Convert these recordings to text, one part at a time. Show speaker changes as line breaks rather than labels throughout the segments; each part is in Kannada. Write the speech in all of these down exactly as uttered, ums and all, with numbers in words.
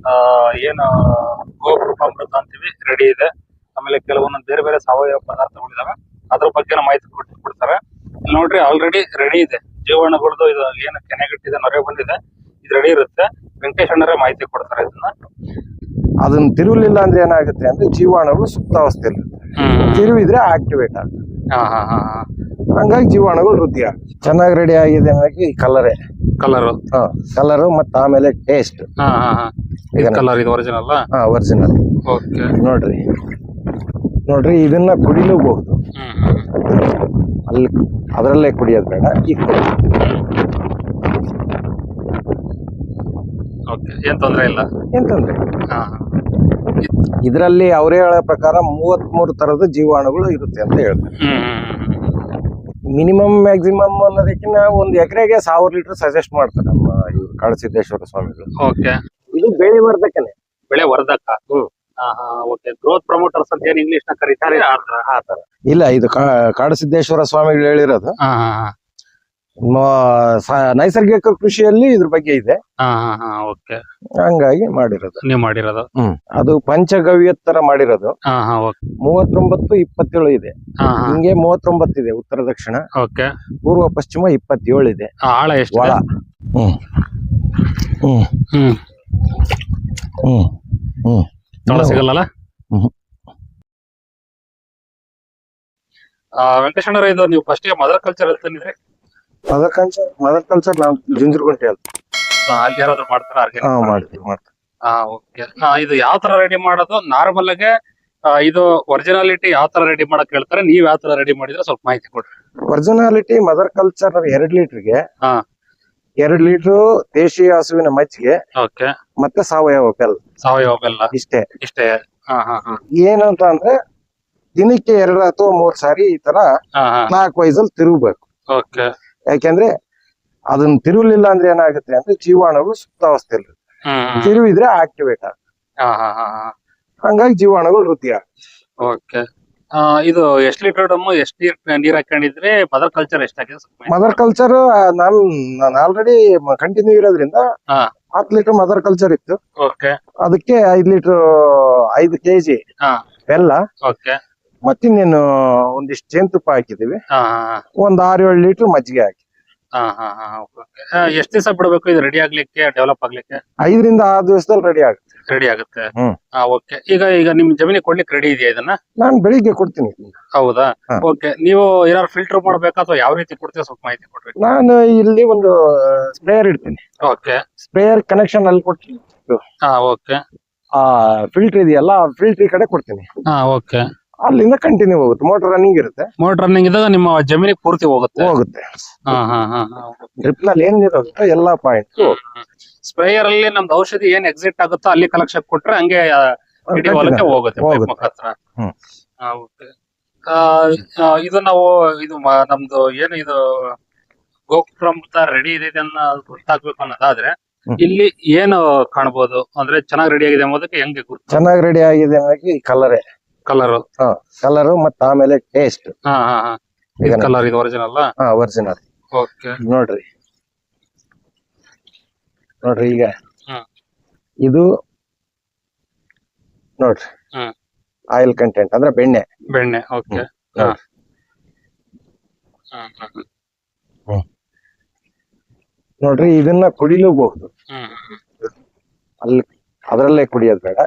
ಏನು ಗೋಕೃಪಾಮೃತ ಅಂತೀವಿ ರೆಡಿ ಇದೆ. ಆಮೇಲೆ ಕೆಲವೊಂದೊಂದು ಬೇರೆ ಬೇರೆ ಸಾವಯವ ಪದಾರ್ಥಗಳಿದಾವೆ, ಅದ್ರ ಬಗ್ಗೆ ಮಾಹಿತಿ ಕೊಟ್ಟು ಕೊಡ್ತಾರೆ. ಇಲ್ಲಿ ನೋಡ್ರಿ ಆಲ್ರೆಡಿ ರೆಡಿ ಇದೆ ಜೀವಾಣುಗಳದ್ದು. ಇದು ಏನು ಕೆನೆಗಟ್ಟಿದೆ, ನೊರೆ ಬಂದಿದೆ, ಇದು ರೆಡಿ ಇರುತ್ತೆ. ವೆಂಕಟೇಶ್ ಅಣ್ಣರೇ ಮಾಹಿತಿ ಕೊಡ್ತಾರೆ ಇದನ್ನ.
ಅದನ್ನ ತಿರುವಲಿಲ್ಲ ಅಂದ್ರೆ ಏನಾಗುತ್ತೆ ಅಂದ್ರೆ ಜೀವಾಣುಗಳು ಸುಪ್ತಾವಸ್ಥೆಯಲ್ಲಿ ತಿರುವಿದ್ರೆ ಆಕ್ಟಿವೇಟ್ ಆಗುತ್ತೆ. ಹಂಗಾಗಿ ಜೀವಾಣುಗಳು ವೃದ್ಧಿ ಆಗುತ್ತೆ. ಚೆನ್ನಾಗಿ ರೆಡಿ ಆಗಿದೆ ಅನ್ನೋಕೆ ಈ ಕಲರೇ
ಕಲರ್
ಹಾ ಕಲರ್ ಮತ್ತೆ ಆಮೇಲೆ ಟೇಸ್ಟ್
ಕಲರ್ ಇದು ಒರಿಜಿನಲ್
ಹಾ ಒರಿಜಿನಲ್.
ಓಕೆ
ನೋಡ್ರಿ ನೋಡ್ರಿ ಇದನ್ನ ಕುಡಿಲೂಬಹುದು, ಅಲ್ಲಿ ಅದರಲ್ಲೇ ಕುಡಿಯೋದು ಬೇಡ, ಈಗ ಕುಡಿ.
ಓಕೆ ಏನ್ ತೊಂದ್ರೆ ಇಲ್ಲ,
ಏನ್ ತೊಂದ್ರೆ. ಇದರಲ್ಲಿ ಅವರೇ ಹೇಳೋ ಪ್ರಕಾರ ಮೂವತ್ತ್ ಮೂರು ತರದ ಜೀವಾಣುಗಳು ಇರುತ್ತೆ ಅಂತ ಹೇಳ್ತಾರೆ. ಮಿನಿಮಮ್ ಮ್ಯಾಕ್ಸಿಮಮ್ ಅನ್ನೋದಕ್ಕಿಂತ ಒಂದು ಎಕರೆಗೆ ಸಾವಿರ ಲೀಟರ್ ಸಜೆಸ್ಟ್ ಮಾಡ್ತಾರೆ ನಮ್ಮ ಇವ್ರು ಕಾಡಸಿದ್ದೇಶ್ವರ ಸ್ವಾಮಿಗಳು.
ಓಕೆ
ಇದು ಬೆಳೆ ವರ್ಧಕನೇ,
ಬೆಳೆ ವರ್ಧಕ.
ಹ್ಮ್
ಓಕೆ ಗ್ರೋತ್ ಪ್ರಮೋಟರ್ಸ್ ಅಂತ ಏನ್ ಇಂಗ್ಲಿಷ್ ನ ಕರೀತಾರೆ ಆ ತರ.
ಇಲ್ಲ, ಇದು ಕಾಡಸಿದ್ದೇಶ್ವರ ಸ್ವಾಮಿಗಳು ಹೇಳಿರೋದು. ನೈಸರ್ಗಿಕ ಕೃಷಿಯಲ್ಲಿ ಇದ್ರ ಬಗ್ಗೆ ಇದೆ,
ಓಕೆ
ಹಂಗಾಗಿ ಮಾಡಿರೋದು.
ನೀವು ಮಾಡಿರೋದು
ಹ್ಮ್ ಅದು ಪಂಚಗವ್ಯ ತರ ಮಾಡಿರೋದು. ಮೂವತ್ತೊಂಬತ್ತು ಇಪ್ಪತ್ತೇಳು ಇದೆ, ಹಿಂಗೆ ಮೂವತ್ತೊಂಬತ್ತು ಇದೆ ಉತ್ತರ ದಕ್ಷಿಣ.
ಓಕೆ
ಪೂರ್ವ ಪಶ್ಚಿಮ ಇಪ್ಪತ್ತೇಳು ಇದೆ.
ಆಳ ಎಷ್ಟು?
ಒಳ ಹ್ಮ್ ಹ್ಮ್
ಹ್ಮ್
ಹ್ಮ್ ಹ್ಮ್
ತೊಳ ಸಿಗಲ್ಲ.
ಹ್ಮ್
ವೆಂಕಟೇಶ್ವರ ಇದು ನೀವು ಫಸ್ಟ್ ಮದರ್ ಕಲ್ಚರ್ ಹೇಳ್ತಾನಿದ್ರೆ
ಮದರ್ ಕಲ್ಚರ್ ಮದರ್ ಕಲ್ಚರ್ ನಾವು ಜುಂಜುರ್ಗುಂಟೆ
ಅಲ್ಲಿ ಯಾರಾದ್ರೂ ಮಾಡ್ತಾರ?
ಮಾಡ್ತೀವಿ ಮಾಡ್ತೀವಿ.
ಹಾ ಓಕೆ. ಇದು ಯಾವ ತರ ರೆಡಿ ಮಾಡೋದು? ನಾರ್ಮಲ್ ಆಗಿ ಇದು ಒರಿಜಿನಾಲಿಟಿ ಯಾವ ತರ ರೆಡಿ ಮಾಡಕ್ ಹೇಳ್ತಾರೆ, ನೀವ್ ಯಾವ ತರ ರೆಡಿ ಮಾಡಿದ್ರೆ ಸ್ವಲ್ಪ ಮಾಹಿತಿ ಕೊಡ್ರಿ.
ಒರಿಜಿನಾಲಿಟಿ ಮದರ್ ಕಲ್ಚರ್ ಎರಡ್ ಲೀಟರ್ಗೆ
ಹಾ
ಎರಡ್ ಲೀಟರ್ ದೇಶೀಯ ಹಸುವಿನ ಮಜ್ಜಿಗೆ,
ಓಕೆ,
ಮತ್ತೆ ಸಾವಯವ ಬೆಲ್ಲ.
ಸಾವಯವ ಬೆಲ್ಲ
ಇಷ್ಟೇ
ಇಷ್ಟೇ. ಹಾ ಹಾ ಹಾ
ಏನು ಅಂತ ಅಂದ್ರೆ ದಿನಕ್ಕೆ ಎರಡು ಅಥವಾ ಮೂರ್ ಸಾರಿ ಈ ತರ ಕ್ಲಾಕ್ ವೈಸ್ ಅಲ್ಲಿ ತಿರುಗಬೇಕು.
ಓಕೆ.
ಯಾಕೆಂದ್ರೆ ಅದನ್ನ ತಿರುವಲಿಲ್ಲ ಅಂದ್ರೆ ಏನಾಗುತ್ತೆ ಅಂದ್ರೆ ಜೀವಾಣುಗಳು ಸುಪ್ತಾವಸ್ಥೆಯಲ್ಲಿ ತಿರುವಿದ್ರೆ ಆಕ್ಟಿವೇಟ್ ಆಗುತ್ತೆ. ಹಂಗಾಗಿ ಜೀವಾಣುಗಳು ವೃದ್ಧಿ ಆಗುತ್ತೆ.
ಓಕೆ. ಇದು ಎಷ್ಟ್ ಲೀಟರ್ ಡಮ್ ಎಷ್ಟ್ ನೀರ್ ನೀರ್ ಹಾಕೊಂಡಿದ್ರೆ ಮದರ್ ಕಲ್ಚರ್ ಎಷ್ಟಾಗಿದೆ?
ಮದರ್ ಕಲ್ಚರ್ ನಾನ್ ನಾನು ಆಲ್ರೆಡಿ ಕಂಟಿನ್ಯೂ ಇರೋದ್ರಿಂದ ಹತ್ತು ಲೀಟರ್ ಮದರ್ ಕಲ್ಚರ್ ಇತ್ತು.
ಓಕೆ.
ಅದಕ್ಕೆ ಐದ್ ಲೀಟರ್ ಐದು ಕೆಜಿ ಬೆಲ್ಲ,
ಓಕೆ,
ಮತ್ತಿನ್ನೇನು ಒಂದಿಷ್ಟು ಜೇನುತುಪ್ಪ ಹಾಕಿದೀವಿ, ಒಂದ್ ಆರ್ ಏಳು ಲೀಟರ್ ಮಜ್ಜಿಗೆ ಹಾಕಿ.
ಎಷ್ಟ್ ದಿವಸ ಬಿಡಬೇಕು ಇದು ರೆಡಿ ಆಗ್ಲಿಕ್ಕೆ, ಡೆವಲಪ್ ಆಗ್ಲಿಕ್ಕೆ?
ಐದರಿಂದ ಆರು ದಿವಸದಲ್ಲಿ ರೆಡಿ ಆಗುತ್ತೆ.
ರೆಡಿ ಆಗುತ್ತೆ. ಓಕೆ. ಈಗ ಈಗ ನಿಮ್ ಜಮೀನಿಗೆ ಕೊಡ್ಲಿಕ್ಕೆ ರೆಡಿ ಇದೆಯಾ ಇದನ್ನ?
ನಾನ್ ಬೆಳಿಗ್ಗೆ ಕೊಡ್ತೀನಿ.
ಹೌದಾ? ಓಕೆ. ನೀವು ಏನಾದ್ರು ಫಿಲ್ಟರ್ ಮಾಡ್ಬೇಕಾ ಅಥವಾ ಯಾವ ರೀತಿ ಕೊಡ್ತೀವಿ ಸ್ವಲ್ಪ ಮಾಹಿತಿ ಕೊಡ್ರಿ.
ನಾನು ಇಲ್ಲಿ ಒಂದು ಸ್ಪ್ರೇಯರ್ ಇಡ್ತೀನಿ.
ಓಕೆ.
ಸ್ಪ್ರೇಯರ್ ಕನೆಕ್ಷನ್ ಅಲ್ಲಿ ಕೊಡ್ತೀನಿ.
ಹಾ ಓಕೆ. ಆ
ಫಿಲ್ಟರ್ ಇದೆಯಲ್ಲ, ಫಿಲ್ಟರ್ ಈ ಕಡೆ ಕೊಡ್ತೀನಿ.
ಹಾ ಓಕೆ.
ಅಲ್ಲಿಂದ ಕಂಟಿನ್ಯೂ ಹೋಗುತ್ತೆ. ಮೋಟರ್ ರನ್ನಿಂಗ್ ಇರುತ್ತೆ.
ಮೋಟರ್ ರನ್ನಿಂಗ್ ಇದ್ದಾಗ ನಿಮ್ಮ ಜಮೀನಿಗೆ ಪೂರ್ತಿ ಹೋಗುತ್ತೆ
ಹೋಗುತ್ತೆ
ಹಾ ಹಾ ಹಾ
ಡ್ರಿಪ್ ನಲ್ಲಿ ಏನ್ ಇರುತ್ತೆ ಎಲ್ಲಾ ಪಾಯಿಂಟ್.
ಸ್ಪ್ರೇಯರ್ ಅಲ್ಲಿ ನಮ್ದು ಔಷಧಿ ಏನ್ ಎಕ್ಸಿಟ್ ಆಗುತ್ತೋ ಅಲ್ಲಿ ಕಲೆಕ್ಷನ್ ಕೊಟ್ರೆ ಹಂಗೆ ಇಡೀ ಹೊಲಕ್ಕೆ ಹೋಗುತ್ತೆ ಪೈಪ್ ಮುಖಾಂತರ. ಇದು ನಾವು ಇದು ನಮ್ದು ಏನು ಇದು ಗೋಕೃಪಾಮೃತ ರೆಡಿ ಇದೆ ಗೊತ್ತಾಗ್ಬೇಕು ಅನ್ನೋದಾದ್ರೆ ಇಲ್ಲಿ ಏನು ಕಾಣಬಹುದು ಅಂದ್ರೆ ಚೆನ್ನಾಗಿ ರೆಡಿ ಆಗಿದೆ ಅನ್ನೋದಕ್ಕೆ ಹೆಂಗೆ ಗುರ್ತು?
ಚೆನ್ನಾಗಿ ರೆಡಿ ಆಗಿದೆ ಅನ್ನೋಕೆ ಈ ಕಲರೇ
ಕಲರ್
ಕಲರ್ ಮತ್ತೆ ಆಮೇಲೆ ಟೇಸ್ಟ್.
ಹಾ ಹಾ ಹಾ ಕಲರ್ ಇದು ಒರಿಜಿನಲ್?
ಹಾ ಒರಿಜಿನಲ್.
ಓಕೆ.
ನೋಡ್ರಿ ನೋಡ್ರಿ ಈಗ ಇದು ನೋಡ್ರಿ ಆಯಿಲ್ ಕಂಟೆಂಟ್ ಅಂದ್ರೆ ಬೆಣ್ಣೆ
ಬೆಣ್ಣೆ. ಓಕೆ.
ನೋಡ್ರಿ ಇದನ್ನ ಕುಡಿಲೂಬಹುದು, ಅಲ್ಲಿ ಅದರಲ್ಲೇ ಕುಡಿಯೋದು ಬೇಡ.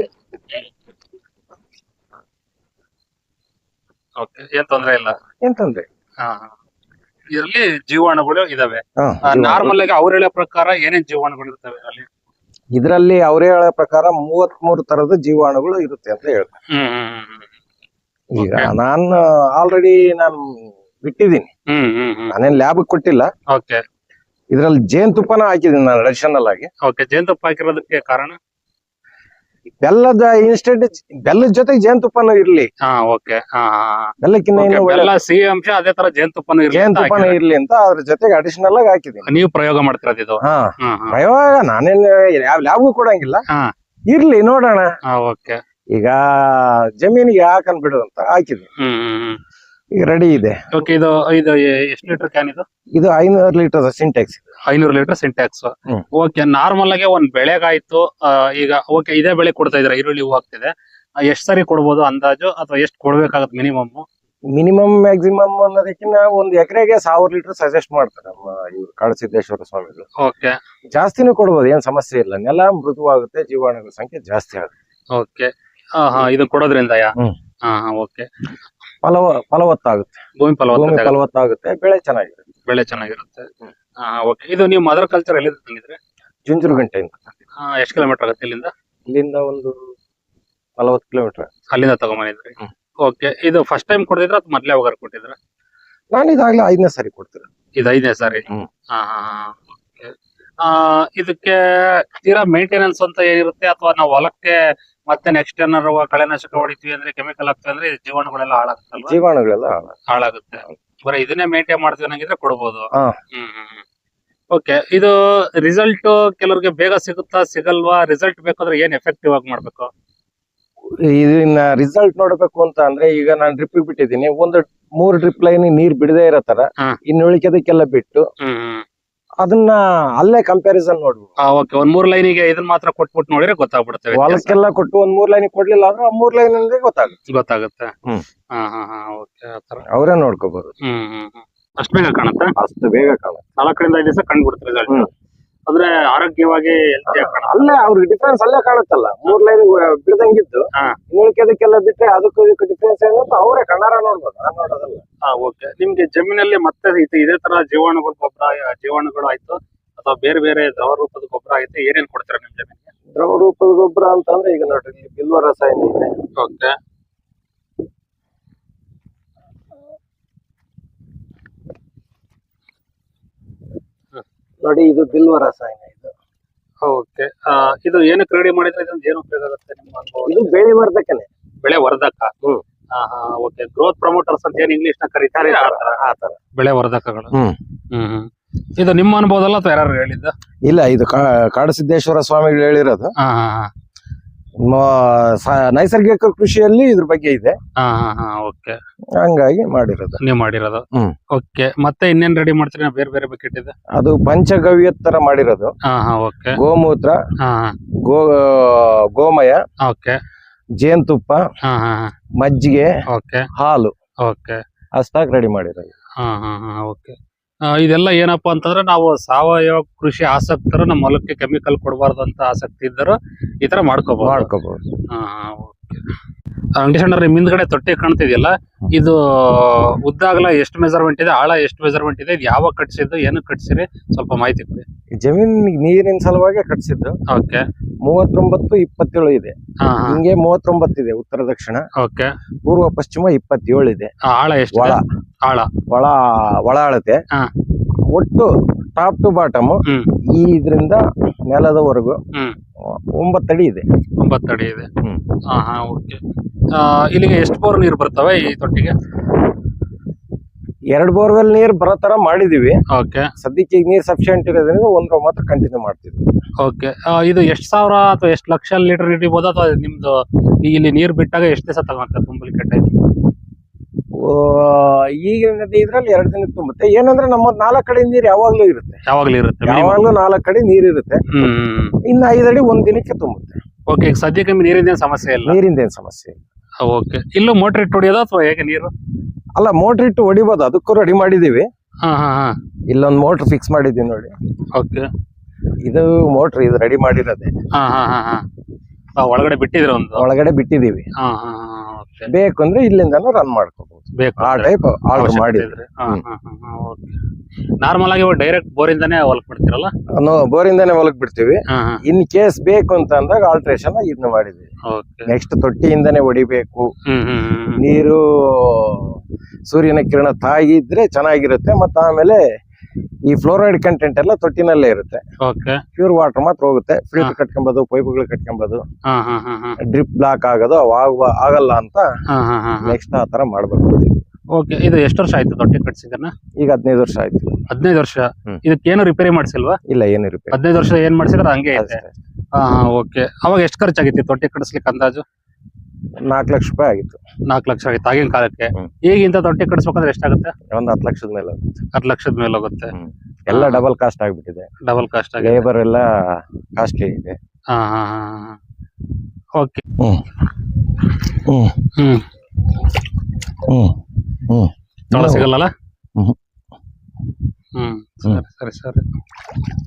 ಓಕೆ. ಏನ್ ತೊಂದ್ರೆ ಇಲ್ಲ,
ಏನ್ ತೊಂದ್ರೆ.
ಇದರಲ್ಲಿ ಜೀವಾಣುಗಳು ಇದಾವೆ. ನಾರ್ಮಲ್ ಆಗಿ ಅವ್ರು ಹೇಳೋ ಪ್ರಕಾರ ಏನೇನ್ ಜೀವಾಣುಗಳು ಇರ್ತವೆ ಅಲ್ಲಿ?
ಇದರಲ್ಲಿ ಅವರೇ ಹೇಳೋ ಪ್ರಕಾರ ಮೂವತ್ತ್ ಮೂರು ತರದ ಜೀವಾಣುಗಳು ಇರುತ್ತೆ ಅಂತ ಹೇಳ್ತಾರೆ. ಈಗ ನಾನು ಆಲ್ರೆಡಿ ನಾನು ಬಿಟ್ಟಿದ್ದೀನಿ, ನಾನೇನ್ ಲ್ಯಾಬ್ ಕೊಟ್ಟಿಲ್ಲ.
ಓಕೆ.
ಇದ್ರಲ್ಲಿ ಜೇನುತುಪ್ಪನ ಹಾಕಿದೀನಿ ನಾನು ಅಡಿಷನಲ್ ಆಗಿ.
ಓಕೆ. ಜೇನುತುಪ್ಪ ಹಾಕಿರೋದಕ್ಕೆ ಕಾರಣ
ಬೆಲ್ಲದ ಇನ್ಸ್ಟೆಂಟ್ ಬೆಲ್ಲದ ಜೊತೆಗೆ ಜೇನುತುಪ್ಪನೂ ಇರ್ಲಿ.
ಹಾ ಓಕೆ.
ಬೆಲ್ಲಕ್ಕಿಂತ
ಸಿಹಿ ಅಂಶ ಅದೇ ತರ ಜೇನುತುಪ್ಪನೂ
ಜೇನುತುಪ್ಪನೂ ಇರ್ಲಿ ಅಂತ ಅದ್ರ ಜೊತೆಗೆ ಅಡಿಷನಲ್ ಆಗಿ ಹಾಕಿದೀನಿ.
ನೀವು ಪ್ರಯೋಗ ಮಾಡ್ತಿರೋದು ಇದು?
ಹಾ ಪ್ರಯೋಗ ನಾನೇನ್ ಯಾವ ಲ್ಯಾಬ್ಗೂ ಕೊಡಂಗಿಲ್ಲ, ಇರ್ಲಿ ನೋಡೋಣ.
ಓಕೆ.
ಈಗ ಜಮೀನಿಗೆ ಹಾಕನ್ ಬಿಡು ಅಂತ ಹಾಕಿದ್ವಿ. ಈಗ ರೆಡಿ ಇದೆ.
ಓಕೆ, ಇದು ಇದು ಎಷ್ಟು ಲೀಟರ್ ಕ್ಯಾನ್ ಇದು?
ಇದು ಐನೂರು ಲೀಟರ್ ಸಿಂಟೆಕ್ಸ್.
ಐನೂರು ಲೀಟರ್ ಸಿಂಟ್ಯಾಕ್ಸ್.
ಹ್ಮ್.
ಓಕೆ, ನಾರ್ಮಲ್ ಆಗಿ ಒಂದ್ ಬೆಳೆಗಾಯ್ತು ಆ, ಈಗ ಓಕೆ ಇದೇ ಬೆಳೆ ಕೊಡ್ತಾ ಇದ್ರ, ಈರುಳ್ಳಿ ಹೂ ಆಗ್ತಿದೆ, ಎಷ್ಟ್ ಸರಿ ಕೊಡ್ಬೋದು ಅಂದಾಜು, ಅಥವಾ ಎಷ್ಟ್ ಕೊಡ್ಬೇಕಾಗತ್ತೆ ಮಿನಿಮಮ್?
ಮಿನಿಮಮ್ ಮ್ಯಾಕ್ಸಿಮಮ್ ಅನ್ನೋದಕ್ಕಿಂತ ಒಂದ್ ಎಕರೆಗೆ ಸಾವಿರ ಲೀಟರ್ ಸಜೆಸ್ಟ್ ಮಾಡ್ತಾರೆ ನಮ್ಮ ಇವ್ರು ಕಾಡಸಿದ್ದೇಶ್ವರ ಸ್ವಾಮಿಗಳು.
ಓಕೆ
ಜಾಸ್ತಿನೂ ಕೊಡ್ಬೋದು, ಏನ್ ಸಮಸ್ಯೆ ಇಲ್ಲ. ನೆಲ ಮೃದುವಾಗುತ್ತೆ, ಜೀವಾಣುಗಳ ಸಂಖ್ಯೆ ಜಾಸ್ತಿ ಆಗುತ್ತೆ.
ಓಕೆ, ಹಾ ಹಾ ಇದು ಕೊಡೋದ್ರಿಂದ ಯಾ
ಹ್ಮ್.
ಹಾ ಹಾ ಓಕೆ,
ಫಲವ ಫಲವತ್ತಾಗುತ್ತೆ,
ಭೂಮಿ
ಭೂಮಿ
ಫಲವತ್ತತೆ ಆಗುತ್ತೆ,
ಫಲವತ್ತಾಗುತ್ತೆ, ಬೆಳೆ ಚೆನ್ನಾಗಿರುತ್ತೆ.
ಬೆಳೆ ಚೆನ್ನಾಗಿರುತ್ತೆ. ಹಾ ಓಕೆ, ಇದು ನೀವು ಮದರ್ ಕಲ್ಚರ್ ಎಲ್ಲಿ ತಂದಿದ್ರೆ?
ಜುಂಜುರುಗಂಟೆಯಿಂದ.
ಹಾ, ಎಷ್ಟು ಕಿಲೋಮೀಟರ್ ಆಗುತ್ತೆ ಇಲ್ಲಿಂದ?
ಇಲ್ಲಿಂದ ಒಂದು ನಲವತ್ತು ಕಿಲೋಮೀಟರ್.
ಅಲ್ಲಿಂದ ತಗೊಂಬಂದಿದ್ರಿ?
ಹ್ಮ್.
ಓಕೆ, ಇದು ಫಸ್ಟ್ ಟೈಮ್ ಕೊಟ್ಟಿದ್ರ ಅಥವಾ ಮೊದ್ಲೇ ಹೋಗಾರ ಕೊಟ್ಟಿದ್ರ?
ನಾನು ಇದಾಗ್ಲೇ ಐದನೇ ಸಾರಿ ಕೊಡ್ತೀನಿ.
ಇದು ಐದನೇ ಸಾರಿ.
ಹ್ಮ್.
ಹಾ ಹಾ ಹಾ ಓಕೆ. ಆ ಇದಕ್ಕೆ ತೀರಾ ಮೇಂಟೆನೆನ್ಸ್ ಅಂತ ಏನಿರುತ್ತೆ, ಅಥವಾ ನಾವು ಹೊಲಕ್ಕೆ ಮತ್ತೆ ನೆಕ್ಸ್ಟ್ ಏನಾರು ಕಳೆನಾಶಕ ಹೊಡಿತೀವಿ ಅಂದ್ರೆ, ಕೆಮಿಕಲ್ ಹಾಕ್ತೀವಿ ಅಂದ್ರೆ ಜೀವಾಣುಗಳೆಲ್ಲ ಹಾಳಾಗುತ್ತಲ್ವಾ?
ಜೀವಾಣುಗಳೆಲ್ಲ
ಹಾಳಾಗುತ್ತೆ. ಬರೀ ಇದನ್ನೇ ಮೇಂಟೈನ್ ಮಾಡ್ತೀವಿ ಅನ್ನಂಗಿದ್ರೆ ಕೊಡ್ಬೋದು.
ಹಾ.
ಹ್ಮ್ ಹ್ಮ್ ಓಕೆ, ಇದು ರಿಸಲ್ಟ್ ಕೆಲವ್ರಿಗೆ ಬೇಗ ಸಿಗುತ್ತಾ ಸಿಗಲ್ವಾ? ರಿಸಲ್ಟ್ ಬೇಕಾದ್ರೆ ಏನ್ ಎಫೆಕ್ಟಿವ್ ಆಗಿ ಮಾಡ್ಬೇಕು?
ಇದನ್ನ ರಿಸಲ್ಟ್ ನೋಡ್ಬೇಕು ಅಂತ ಅಂದ್ರೆ, ಈಗ ನಾನು ಡ್ರಿಪ್ ಬಿಟ್ಟಿದ್ದೀನಿ, ಒಂದು ಮೂರ್ ಡ್ರಿಪ್ ಲೈನ್ ನೀರ್ ಬಿಡದೇ ಇರೋ ತರ,
ಹಾ.
ಇನ್ನು ಉಳಿಕೆದಕ್ಕೆಲ್ಲ ಬಿಟ್ಟು
ಹ್ಮ್ ಹ್ಮ್
ಅದನ್ನ ಅಲ್ಲೇ ಕಂಪ್ಯಾರಿಸನ್ ನೋಡ್ಬೇಕು.
ಓಕೆ, ಒಂದ್ ಮೂರ್ ಲೈನಿಗೆ ಇದನ್ನ ಮಾತ್ರ ಕೊಟ್ಬಿಟ್ಟು ನೋಡಿದ್ರೆ ಗೊತ್ತಾಗ್ಬಿಡುತ್ತೆ, ವ್ಯತ್ಯಾಸ.
ಹೊಲಕ್ಕೆಲ್ಲ ಕೊಟ್ಟು ಒಂದ್ ಮೂರ್ ಲೈನ್ ಕೊಡ್ಲಿಲ್ಲ ಅಂದ್ರೆ ಆ ಮೂರ್ ಲೈನ್ ಗೊತ್ತಾಗುತ್ತೆ.
ಗೊತ್ತಾಗುತ್ತೆ.
ಹ್ಮ್.
ಹಾ ಹಾ ಹಾ ಓಕೆ, ಆತರ.
ಅವರೇ ನೋಡ್ಕೋಬಹುದು.
ಹ್ಮ್ ಹ್ಮ್ ಹ್ಮ್ ಅಷ್ಟ್ ಬೇಗ ಕಾಣುತ್ತೆ?
ಅಷ್ಟು ಬೇಗ ಕಾಣುತ್ತೆ.
ನಾಲ್ಕರಿಂದ ಐದು ದಿವಸ ಕಂಡ್ಬಿಡುತ್ತೆ ರಿಸಲ್ಟ್.
ಹ್ಮ್.
ಅಂದ್ರೆ ಆರೋಗ್ಯವಾಗಿ ಹೆಲ್ತಿ ಆಗಿ ಕಾಣುತ್ತೆ.
ಅಲ್ಲೇ ಅವ್ರಿಗೆ ಡಿಫ್ರೆನ್ಸ್ ಅಲ್ಲೇ ಕಾಣುತ್ತಲ್ಲ, ಮೂರ್ ಲೈನ್ ಬಿಡದಂಗಿದ್ದು
ಹಾ.
ಉಳಿಕೆದಕ್ಕೆಲ್ಲ ಬಿಟ್ರೆ ಅದಕ್ಕೂ ಇದಕ್ಕೂ ಡಿಫ್ರೆನ್ಸ್ ಏನು ಅಂತ ಅವರೇ ಕಣ್ಣಾರ ನೋಡ್ಬೋದು, ನಾನ್ ನೋಡೋದಲ್ಲ.
ಹಾ ಓಕೆ, ನಿಮ್ಗೆ ಜಮೀನಲ್ಲಿ ಮತ್ತೆ ಇದು ಇದೇ ತರ ಜೀವಾಣುಗಳ ಗೊಬ್ಬರ, ಜೀವಾಣುಗಳು ಆಯ್ತು ಅಥವಾ ಬೇರೆ ಬೇರೆ ದ್ರವ ರೂಪದ ಗೊಬ್ಬರ ಆಯ್ತು, ಏನೇನ್ ಕೊಡ್ತೀರಾ ನಿಮ್ ಜಮೀನಿಗೆ?
ದ್ರವ ರೂಪದ ಗೊಬ್ಬರ ಅಂತಂದ್ರೆ ಈಗ ನೋಡ್ರಿ, ಇಲ್ಲಿ ಬಿಲ್ವ ರಸಾಯನ ಇದೆ.
ಓಕೆ,
ನೋಡಿ, ಇದು ಬಿಲ್ವ ರಸಾಯನ. ಇದು
ಓಕೆ, ಇದು ಏನಕ್ಕೆ ರೆಡಿ ಮಾಡಿದ್ರೆ ಇದೊಂದು ಏನು ಉಪಯೋಗ ಆಗುತ್ತೆ ನಿಮ್ಮ ಅನುಭವ?
ಇದು ಬೆಳೆ ವರ್ಧಕನೆ,
ಬೆಳೆ ವರ್ಧಕ.
ಹ್ಮ್.
ಹಾ ಹಾ ಓಕೆ, ಗ್ರೋತ್ ಪ್ರಮೋಟರ್ಸ್ ಅಂತ ಏನ್ ಇಂಗ್ಲಿಷ್ ನ ಕರೀತಾರೆ, ಆ ತರ
ಆತರ
ಬೆಳೆ ವರ್ಧಕಗಳು.
ಹ್ಮ್.
ಹ್ಮ್ ಹ್ಮ್ ಇದು ನಿಮ್ಮ ಅನುಭವದಲ್ಲ ಅಥವಾ ಯಾರು ಹೇಳಿದ್ದ?
ಇಲ್ಲ, ಇದು ಕಾ- ಕಾಡಸಿದ್ದೇಶ್ವರ ಸ್ವಾಮಿಗಳು ಹೇಳಿರೋದು.
ಹಾ ಹಾ ಹಾ
ಮ- ಸ- ನೈಸರ್ಗಿಕ ಕೃಷಿಯಲ್ಲಿ ಇದ್ರ ಬಗ್ಗೆ ಇದೆ,
ಹಾ ಹಾ ಹಾ ಓಕೆ,
ಹಂಗಾಗಿ ಮಾಡಿರೋದು.
ನೀವ್ ಮಾಡಿರೋದು.
ಹ್ಮ್.
ಓಕೆ, ಮತ್ತೆ ಇನ್ನೇನ್ ರೆಡಿ ಮಾಡ್ತೀರಿ? ಬೇರೆ ಬೇರೆ ಬಕೆಟ್ ಇದೆ.
ಅದು ಪಂಚಗವ್ಯ ತರ ಮಾಡಿರೋದು.
ಹಾ ಹಾ ಓಕೆ,
ಗೋಮೂತ್ರ,
ಹಾ
ಗೋ ಗೋಮಯ,
ಓಕೆ,
ಜೇನುತುಪ್ಪ,
ಹಾ ಹಾ
ಮಜ್ಜಿಗೆ,
ಓಕೆ,
ಹಾಲು
ಓಕೆ,
ಅಷ್ಟಾಗಿ ರೆಡಿ ಮಾಡಿರೋದು.
ಹಾ ಹಾ ಹಾ ಓಕೆ. ಇದೆಲ್ಲ ಏನಪ್ಪಾ ಅಂತಂದ್ರೆ, ನಾವು ಸಾವಯವ ಕೃಷಿ ಆಸಕ್ತರು, ನಮ್ಮ ಹೊಲಕ್ಕೆ ಕೆಮಿಕಲ್ ಕೊಡಬಾರ್ದು ಅಂತ ಆಸಕ್ತಿ ಇದ್ದರು ಈ ತರ ಮಾಡ್ಕೋಬಹುದು.
ಮಾಡ್ಕೋಬಹುದು.
ಹಾ ಓಕೆ. ಅಂಗಡಿಸಂಡ್ರೆ ನಿಮ್ ಹಿಂದ್ಗಡೆ ತೊಟ್ಟಿ ಕಾಣ್ತಿದ್ಯಲ್ಲ, ಇದು ಉದ್ದ ಅಗಲ ಎಷ್ಟು ಮೆಜರ್ಮೆಂಟ್ ಇದೆ, ಆಳ ಎಷ್ಟು ಮೆಜರ್ಮೆಂಟ್ ಇದೆ, ಇದು ಯಾವಾಗ ಕಟ್ಸಿದ್ದು, ಏನು ಕಟ್ಸಿರಿ, ಸ್ವಲ್ಪ ಮಾಹಿತಿ ಕೊಡಿ.
ಜಮೀನ್ ನೀರಿನ ಸಲುವಾಗಿ ಕಟ್ಸಿದ್ದು.
ಓಕೆ,
ಮೂವತ್ತೊಂಬತ್ತು ಇಪ್ಪತ್ತೇಳು ಇದೆ.
ಹಾ ಹಾ
ಹಿಂಗೆ ಮೂವತ್ತೊಂಬತ್ತು ಇದೆ ಉತ್ತರ ದಕ್ಷಿಣ,
ಓಕೆ,
ಪೂರ್ವ ಪಶ್ಚಿಮ ಇಪ್ಪತ್ತೇಳು ಇದೆ.
ಆಳ ಎಷ್ಟು?
ಒಳ
ಆಳ
ಒಳ ಒಳ ಅಳತೆ.
ಹಾ.
ಒಟ್ಟು ಟಾಪ್ ಟು ಬಾಟಮ್
ಹ್ಮ್
ಈ ಇದರಿಂದ ನೆಲದವರೆಗೂ
ಹ್ಮ್
ಒಂಬತ್ತು ಅಡಿ ಇದೆ.
ಒಂಬತ್ತು ಅಡಿ ಇದೆ.
ಹ್ಮ್.
ಹಾ ಹಾ ಓಕೆ. ಇಲ್ಲಿಗೆ ಎಷ್ಟು ಬೋರ್ ನೀರು ಬರ್ತವೆ ಈ ತೊಟ್ಟಿಗೆ?
ಎರಡ್ ಬೋರ್ವೆಲ್ ನೀರ್ ಬರೋ ತರ ಮಾಡಿದೀವಿ.
ಓಕೆ,
ಸದ್ಯಕ್ಕೆ ಈಗ ನೀರ್ ಸಫಿಶಿಯಂಟ್ ಇರೋದ್ರಿಂದ ಒಂದ್ರ ಮಾತ್ರ ಕಂಟಿನ್ಯೂ ಮಾಡ್ತಿದ್ವಿ.
ಓಕೆ. ಇದು ಎಷ್ಟ್ ಸಾವಿರ ಅಥವಾ ಎಷ್ಟು ಲಕ್ಷ ಲೀಟರ್ ಹಿಡಿಬಹುದು, ಅಥವಾ ನಿಮ್ದು ಈಗ ಇಲ್ಲಿ ನೀರ್ ಬಿಟ್ಟಾಗ ಎಷ್ಟು ದಿವಸ ತಗೊಂತ ತುಂಬಲಿಕ್ಕೆ ಟೈಮ್?
ಈಗಿನ ಇದ್ರಲ್ಲಿ ಎರಡು ದಿನ ತುಂಬುತ್ತೆ. ಏನಂದ್ರೆ ನಮ್ಮ ನಾಲ್ಕು ಕಡೆ ನೀರ್ ಯಾವಾಗ್ಲೂ ಇರುತ್ತೆ,
ಯಾವಾಗ್ಲೂ ಇರುತ್ತೆ,
ಯಾವಾಗ್ಲೂ ನಾಲ್ಕು ಕಡೆ ನೀರ್ ಇರುತ್ತೆ.
ಹ್ಮ್.
ಇನ್ನು ಐದು ಅಡಿ ಒಂದ್ ದಿನಕ್ಕೆ ತುಂಬುತ್ತೆ.
ಓಕೆ, ಈಗ ಸದ್ಯಕ್ಕೆ ನೀರಿಂದ ಏನ್ ಸಮಸ್ಯೆ ಇಲ್ಲ?
ನೀರಿಂದ ಏನ್ ಸಮಸ್ಯೆ ಇಲ್ಲ.
ಓಕೆ, ಇಲ್ಲೂ ಮೋಟರ್ ಇಟ್ಟು ಹೊಡಿಯೋದು ಅಥವಾ ಹೇಗೆ ನೀರು?
ಅಲ್ಲ, ಮೋಟರ್ ಇಟ್ಟು ಹೊಡಿಬೋದು, ಅದಕ್ಕೂ ರೆಡಿ ಮಾಡಿದೀವಿ.
ಹಾ ಹಾ ಹಾ
ಇಲ್ಲೊಂದ್ ಮೋಟರ್ ಫಿಕ್ಸ್ ಮಾಡಿದೀವಿ ನೋಡಿ.
ಓಕೆ,
ಇದು ಮೋಟರ್ ಇದು ರೆಡಿ ಮಾಡಿರೋದೆ.
ಹಾ ಹಾ ಹಾ ಹಾ ಒಳಗಡೆ ಬಿಟ್ಟಿದ್ರೆ ಒಂದು
ಒಳಗಡೆ ಬಿಟ್ಟಿದೀವಿ.
ಹಾ ಹಾ ಹಾ ಓಕೆ,
ಬೇಕು ಅಂದ್ರೆ ಇಲ್ಲಿಂದಾನು ರನ್ ಮಾಡ್ಕೋಬಹುದು.
ಬೇಕು
ಆ ಟೈಪ್ ಆರ್ಡರ್ ಮಾಡಿದ್ರೆ
ನಾರ್ಮಲ್ ಆಗಿ ಡೈರೆಕ್ಟ್ ಬೋರಿಂದಾನೇ ಹೊಲಕ್ ಬಿಡ್ತೀರಲ್ಲ?
ಬೋರಿಂದಾನೆ ಹೊಲಕ್ ಬಿಡ್ತೀವಿ.
ಹಾ ಹಾ
ಇನ್ ಕೇಸ್ ಬೇಕು ಅಂತ ಅಂದಾಗ ಆಲ್ಟ್ರೇಷನ್ ಇದನ್ನ ಮಾಡಿದ್ವಿ.
ಓಕೆ.
ನೆಕ್ಸ್ಟ್ ತೊಟ್ಟಿಯಿಂದಾನೆ ಹೊಡಿಬೇಕು.
ಹ್ಮ್ ಹ್ಮ್ ಹ್ಮ್
ನೀರು ಸೂರ್ಯನ ಕಿರಣ ತಾಗಿದ್ರೆ ಚೆನ್ನಾಗಿರುತ್ತೆ. ಮತ್ತೆ ಆಮೇಲೆ ಈ ಫ್ಲೋರೈಡ್ ಕಂಟೆಂಟ್ ಎಲ್ಲ ತೊಟ್ಟಿನಲ್ಲೇ ಇರುತ್ತೆ.
ಓಕೆ,
ಪ್ಯೂರ್ ವಾಟರ್ ಮಾತ್ರ ಹೋಗುತ್ತೆ. ಫಿಲ್ಟರ್ ಕಟ್ಕೊಂಬೋದು, ಪೈಪ್ಗಳು ಕಟ್ಕೊಂಬೋದು,
ಹಾ ಹಾ ಹಾ ಹಾ
ಡ್ರಿಪ್ ಬ್ಲಾಕ್ ಆಗೋದು ಅವಾಗ ಆಗಲ್ಲ ಅಂತ
ಹಾ ಹಾ ಹಾ
ನೆಕ್ಸ್ಟ್ ಆ ತರ ಮಾಡ್ಬೇಕು.
ಓಕೆ, ಇದು ಎಷ್ಟು ವರ್ಷ ಆಯ್ತು ತೊಟ್ಟಿ ಕಟ್ಸಿದನ್ನ?
ಈಗ ಹದಿನೈದು ವರ್ಷ ಆಯ್ತು.
ಹದಿನೈದು ವರ್ಷ.
ಹ್ಮ್.
ಇದಕ್ಕೇನು ರಿಪೇರಿ ಮಾಡ್ಸಿಲ್ವಾ?
ಇಲ್ಲ, ಏನು ರಿಪೇರಿ.
ಹದಿನೈದು ವರ್ಷ ಏನ್ ಮಾಡ್ಸಿದ್ರೆ ಹಂಗೆ ಐತೆ.
ಅಷ್ಟೇ.
ಹಾ ಹಾ ಓಕೆ. ಅವಾಗ ಎಷ್ಟು ಖರ್ಚಾಗಿತ್ತು ತೊಟ್ಟಿ ಕಟ್ಸ್ಲಿಕ್ಕೆ ಅಂದಾಜು?
ನಾಲ್ಕು ಲಕ್ಷ ರೂಪಾಯಿ ಆಗಿತ್ತು.
ನಾಲ್ಕು ಲಕ್ಷ ಆಗಿತ್ತು ಆಗಿನ ಕಾಲಕ್ಕೆ.
ಹ್ಮ್.
ಈಗ ಇಂಥ ತೊಟ್ಟಿ ಕಟ್ಸ್ಬೇಕಂದ್ರೆ ಎಷ್ಟಾಗುತ್ತೆ?
ಒಂದ್ ಹತ್ತು ಲಕ್ಷದ ಮೇಲೆ ಆಗುತ್ತೆ.
ಹತ್ತು ಲಕ್ಷದ ಮೇಲೆ ಹೋಗುತ್ತೆ.
ಹ್ಮ್. ಎಲ್ಲ
ಹಾ.
ಡಬಲ್ ಕಾಸ್ಟ್ ಆಗ್ಬಿಟ್ಟಿದೆ.
ಡಬಲ್ ಕಾಸ್ಟ್ ಆಗಿದೆ.
ಲೇಬರ್ ಎಲ್ಲ ಕಾಸ್ಟ್ಲಿ ಇದೆ.
ಹಾ ಹಾ ಹಾ ಓಕೆ.
ಹ್ಮ್ ಹ್ಮ್
ಹ್ಮ್
ಹ್ಮ್ ಹ್ಮ್
ಜೋಳ ಸಿಗಲ್ಲ?
ಹ್ಮ್.
ಹ್ಮ್ ಸರಿ ಸರಿ ಸರಿ